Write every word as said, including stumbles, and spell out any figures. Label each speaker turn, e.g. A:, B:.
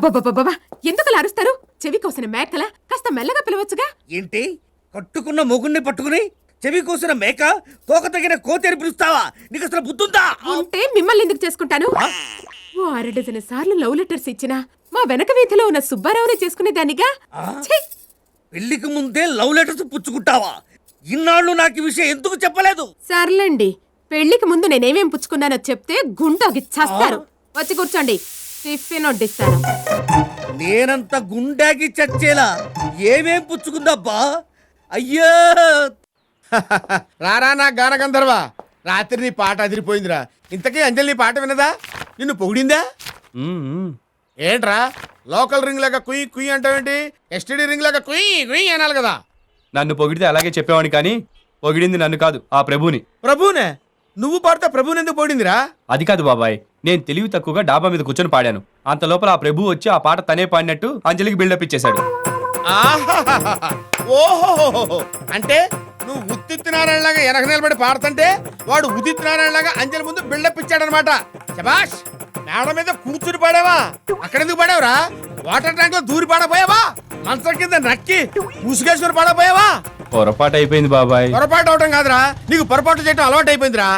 A: అబ్బబ్బబ్బబ్బా ఎందుకు అరుస్తారు? చెవి కోసిన మేకల కాస్త మెల్లగా పిలవచ్చుగా.
B: ఏంటి కట్టుకున్న మొగుణ్ణి పట్టుకుని చెవి కోసిన మేక తోక తగిన కోతేరు పిలుస్తావా? నీకు అసలు బుద్ధుందా?
A: ఉంటే మిమ్మల్ని ఎందుకు చేసుకుంటాను? ఓ అర డజన్ సార్లు లవ్ లెటర్స్ ఇచ్చినా మా వెనక వీధిలో ఉన్న సుబ్బారావునే చేసుకునేదానిగా. ఛీ!
B: పెళ్లికి ముందే లవ్ లెటర్స్ పుచ్చుకుంటావా? ఇన్నాళ్ళు నాకు ఈ విషయం ఎందుకు చెప్పలేదు?
A: సర్లేండి, పెళ్లికి ముందు నేనేమేం పుచ్చుకున్నానో చెప్తే గుంటోకి చస్తారు. వచ్చి కూర్చోండి, టిఫిన్ వడ్డిస్తాను.
B: నేనంత గుండాకి చచ్చేలా ఏమేం పుచ్చుకుందబ్బా? అయ్యో
C: రారా నా గాన గంధర్వా, రాత్రి నీ పాట అదిరిపోయిందిరా. ఇంతకీ అంజలి నీ పాట వినదా? నిన్ను పొగిడిందా? ఏంట్రా లోకల్ రింగ్ లాగా కుయ్ కుయ్ అంటావేంటి? ఎస్టీడీ రింగ్ లాగా కుయ్ కుయ్ అనాలి కదా.
D: నన్ను పొగిడితే అలాగే చెప్పేవాడిని, కానీ పొగిడింది నన్ను కాదు, ఆ ప్రభుని.
C: ప్రభునే? నువ్వు పాడితే ప్రభుని ఎందుకు పొగిడిందిరా?
D: అది కాదు బాబాయ్, నేను తెలివి తక్కువగా డాబా మీద కూర్చొని పాడాను. అంత లోపల ఆ ప్రభు వచ్చి ఆ పాట తనే పాడినట్టు అంజలికి బిల్డప్ ఇచ్చేశాడు.
C: ఓహో, అంటే నువ్వు ఉత్తిత్ నారాయణలాగా వెనక నిలబడి పాడుతుంటే వాడు ఉదిత్ నారాయణలాగా అంజలి ముందు బిల్డప్ ఇచ్చాడనమాట. శబాష్, మేడ మీద కూర్చుని పాడావా? అక్కడెందుకు పాడావురా? వాటర్ ట్యాంక్ లో దూరి పాడపోయావా? మంచం కింద నక్కి ముసుగేసుకుని పాడపోయావా?
D: పొరపాటు అయిపోయింది బాబాయ్.
C: పొరపాటు అవటం కాదురా, నీకు పొరపాటు చేయటం అలవాటు అయిపోయిందిరా.